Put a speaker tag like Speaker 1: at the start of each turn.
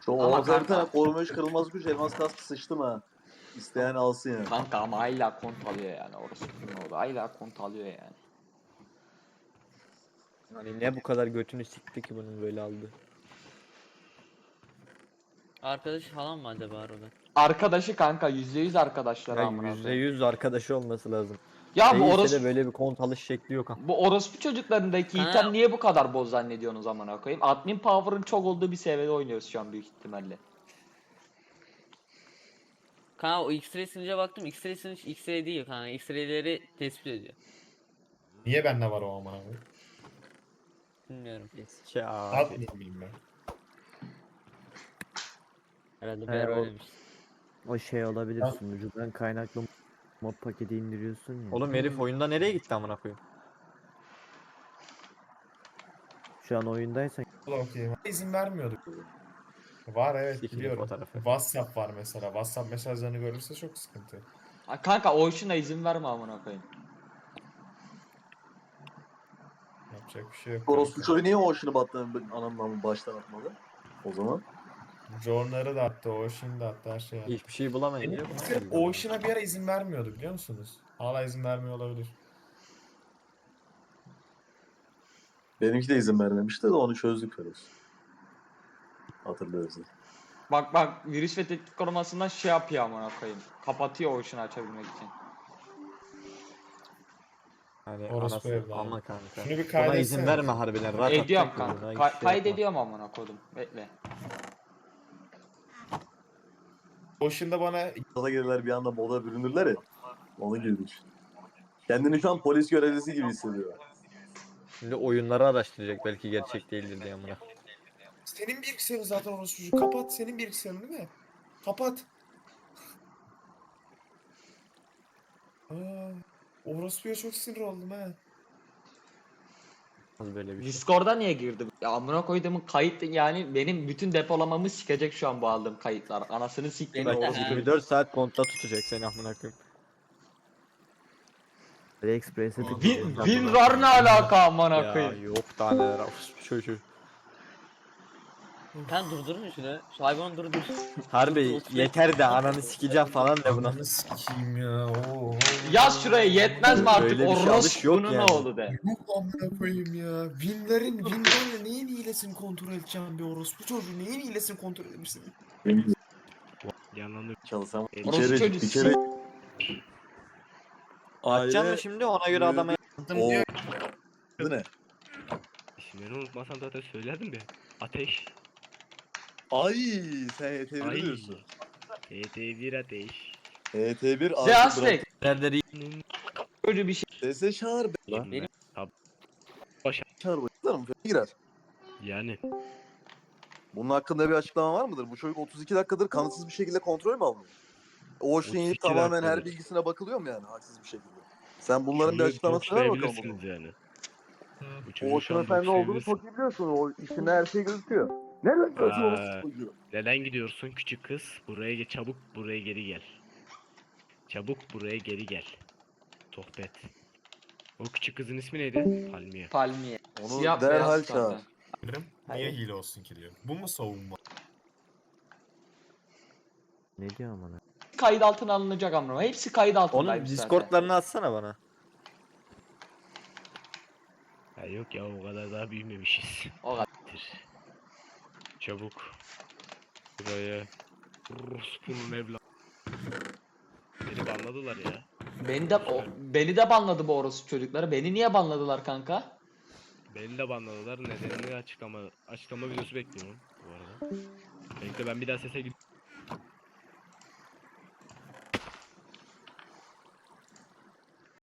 Speaker 1: Şu
Speaker 2: Ama
Speaker 1: ortaya bir tane
Speaker 2: kanka.
Speaker 1: koruma 3 kırılmaz güç elmas kaskı sıçtım ha. İsteyen alsın yani.
Speaker 2: Kanka ama hala kont alıyor yani orası oldu. Hala kont alıyor yani.
Speaker 3: Hani ne bu kadar götünü sikti ki bunun böyle aldı.
Speaker 4: Arkadaş falan mı acaba orada?
Speaker 2: Arkadaşı kanka %100 arkadaşları
Speaker 3: Ya
Speaker 2: amına koyayım.
Speaker 3: %100 arkadaşı olması lazım.
Speaker 2: Ya bu
Speaker 3: Değilse de
Speaker 2: orospu
Speaker 3: böyle bir kont alış şekli yok.
Speaker 2: bu orospu çocuklarındaki
Speaker 4: Ha.
Speaker 2: item niye bu kadar boz zannediyorsunuz amına koyayım? Admin power'ın çok olduğu bir seviyede oynuyoruz şu an büyük ihtimalle.
Speaker 4: Kanka o X-ray sınıca baktım. X-ray sınıç X-ray değil kanka. X-ray'leri tespit ediyor.
Speaker 5: Niye bende var o amına koyayım?
Speaker 4: Bilmiyorum.
Speaker 3: Eski abi.
Speaker 5: Atmayayım mıyım ben?
Speaker 4: Herhalde bir
Speaker 3: He,
Speaker 4: yer
Speaker 3: o-
Speaker 4: oynamış.
Speaker 6: O şey olabilir,
Speaker 5: Ha.
Speaker 6: sunucudan kaynaklı mod paketi indiriyorsun ya.
Speaker 3: Oğlum herif oyunda nereye gitti amına koyayım?
Speaker 6: Şu an oyundaysan
Speaker 5: Bu da okey. İzin vermiyordu. Var evet
Speaker 3: Sikili
Speaker 5: biliyorum.
Speaker 3: fotoğrafı.
Speaker 5: WhatsApp var mesela. WhatsApp mesajlarını görürse çok sıkıntı.
Speaker 2: Ha, kanka o işine izin verme amına koyayım.
Speaker 5: Yapacak bir şey yok.
Speaker 1: Orospu çocuğu niye o işini anamdan baştan atmadı? O zaman.
Speaker 5: John'ları da attı, Ocean'ı da attı, her şey attı.
Speaker 3: Hiçbir şey bulamayınca
Speaker 5: Benim
Speaker 3: buna
Speaker 5: bilgisayarım
Speaker 3: geldi.
Speaker 5: Ocean'a bir ara izin vermiyordu biliyor musunuz? Hala izin vermiyor olabilir.
Speaker 1: Benimki de izin vermemişti de onu çözdük Feroz. Hatırlıyoruz.
Speaker 2: Bak virüs ve tehdit korumasından şey yapıyor amına koyayım. Kapatıyor o işini açabilmek için.
Speaker 3: Hani
Speaker 5: Orospu
Speaker 3: anası
Speaker 5: evladı.
Speaker 3: ama kanka.
Speaker 5: Şunu bir
Speaker 3: Buna
Speaker 5: kaydetsene.
Speaker 3: izin verme harbiden. Rahat
Speaker 2: Ediyorum
Speaker 3: atacak
Speaker 2: kanka.
Speaker 3: buna, hiç şey yapma.
Speaker 2: Kaydediyorum amına koydum. Bekle.
Speaker 5: Ocean'da bana
Speaker 1: Gaza gelirler bir anda moda bürünürler ya. Onu gibi düşün. Kendini şu an polis görevlisi gibi hissediyor.
Speaker 3: Şimdi oyunları araştıracak belki gerçek değildir diye amına.
Speaker 5: senin bilgisayarın zaten orospucu. Kapat senin bilgisayarın değil mi? Kapat. Aa, orospuya çok sinir oldum ha.
Speaker 3: Az böyle bir şey.
Speaker 2: Discord'a niye girdi? Ya amına koyduğumun kayıt yani benim bütün depolamamı sikecek şu an bu aldığım kayıtlar. Anasını siktiğim
Speaker 4: Benim de
Speaker 2: orospu.
Speaker 4: ha.
Speaker 3: 24 saat kontta tutacak seni amına koyayım.
Speaker 6: AliExpress'e
Speaker 2: WinRAR ne alaka amına
Speaker 3: Ya
Speaker 2: koyayım?
Speaker 3: yok daha neler orospu çocuğu.
Speaker 4: Kanka durdurun şunu. Şu hayvanı durdur.
Speaker 3: Harbi yeter de ananı sikeceğim falan de buna.
Speaker 5: Ananı sikeyim ya. Oo.
Speaker 2: Yaz şuraya yetmez mi artık
Speaker 3: Böyle bir şey alış yok
Speaker 2: orospunun
Speaker 3: yani.
Speaker 2: oğlu de.
Speaker 5: Yok amına koyayım ya. Win'lerin neyin hilesini kontrol edeceğim bir orospu çocuğu. Neyin hilesini kontrol edebilirsin?
Speaker 7: Yanlanır.
Speaker 1: Çalışan
Speaker 2: Orospu çocuğu
Speaker 1: bir kere
Speaker 3: Açacağım mı şimdi ona göre adama
Speaker 1: O adı ne?
Speaker 7: İsimlerini unutmasam zaten söylerdim ya. Ateş.
Speaker 1: Ay sen HT1
Speaker 7: Ay.
Speaker 1: diyorsun.
Speaker 7: TT1 ateş.
Speaker 1: HT1
Speaker 2: Zeaslek.
Speaker 3: nerede
Speaker 2: Böyle bir şey.
Speaker 1: Sese çağır be.
Speaker 7: Benim.
Speaker 4: Benim-
Speaker 1: Çağır bakayım. Girer.
Speaker 7: Yani.
Speaker 1: Bunun hakkında bir açıklama var mıdır? Bu çocuk 32 dakikadır kanıtsız bir şekilde kontrol mü almıyor? O şeyin
Speaker 7: 32
Speaker 1: tamamen her
Speaker 7: dakikadır.
Speaker 1: bilgisine bakılıyor mu yani haksız bir şekilde? Sen bunların bir
Speaker 7: Şunu
Speaker 1: açıklamasını ver bakalım.
Speaker 7: sayabilirsiniz yani. Bu
Speaker 1: O
Speaker 7: çocuğu şu
Speaker 1: Ocean
Speaker 7: an
Speaker 1: Efendi olduğunu
Speaker 7: sayabilirsin.
Speaker 1: çok iyi biliyorsun. O işinde her şey gözüküyor. Nereden gözüküyor
Speaker 7: Aa.
Speaker 1: orası çocuğu?
Speaker 7: Neden gidiyorsun küçük kız? Buraya çabuk buraya geri gel. Çabuk buraya geri gel. Sohbet. O küçük kızın ismi neydi? Palmiye.
Speaker 2: Palmiye.
Speaker 1: Onu
Speaker 2: Siyah
Speaker 1: derhal
Speaker 2: beyaz
Speaker 1: çağır.
Speaker 2: zaten.
Speaker 5: Niye
Speaker 2: Hayır.
Speaker 5: hile olsun ki diyor. Bu mu savunma?
Speaker 6: ne diyor amına?
Speaker 2: Kayıt altına alınacak amına. Hepsi kayıt
Speaker 3: Onun
Speaker 2: altındaymış zaten.
Speaker 3: Discord'larını atsana bana.
Speaker 7: Ya yok ya o kadar daha büyümemişiz.
Speaker 2: O kadar.
Speaker 7: Çabuk. Buraya. Rus'un evladı. Beni banladılar ya.
Speaker 2: Beni de banladı bu orospu çocukları. Beni niye banladılar kanka?
Speaker 7: Beni de banladılar. Nedenini açıklama videosu bekliyorum bu arada. Bekle ben bir daha sese